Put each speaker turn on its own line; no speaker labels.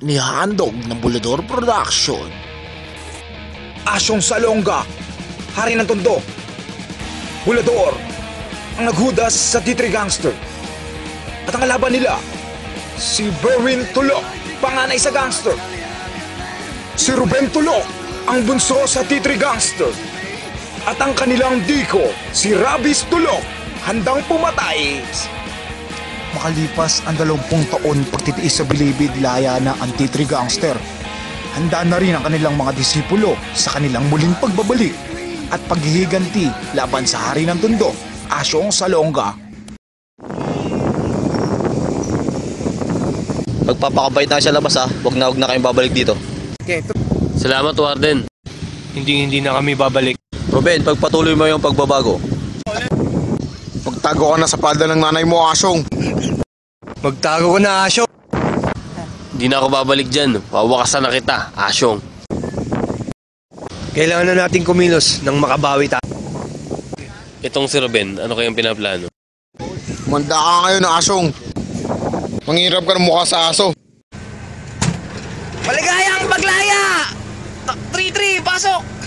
nihandog ng Bulador Production.
Asyong Salonga, hari ng Tondo. Bulador, ang naghudas sa T3 Gangster. At ang kalaban nila, si Berwin Tulok, panganay sa gangster. Si Ruben Tulok, ang bunso sa T3 Gangster. At ang kanilang diko, si Rabis Tulok, handang pumatay.
Makalipas ang 20 taon pagtitiis sa bilibid laya na ang T3 Gangster, handa na rin ang kanilang mga disipulo sa kanilang muling pagbabalik at paghihiganti laban sa hari ng Tondo, Asyong Salonga.
Magpapakabait na sa labas ha, huwag na kayong babalik dito.
Salamat, Warden. Hindi na kami babalik.
Ruben, pagpatuloy mo yung pagbabago.
Magtago ka na sa palda ng nanay mo, Asyong.
Magtago ka na, Asyong. Hindi na ako babalik dyan. Wawakasan na kita, Asyong. Kailangan na natin kumilos nang makabawi tayo. Itong si Ruben, ano kayang pinaplano?
Manda ka ngayon, Asyong. Manghirap ka ng mukha sa aso.
Maligayang paglaya! 3-3, pasok!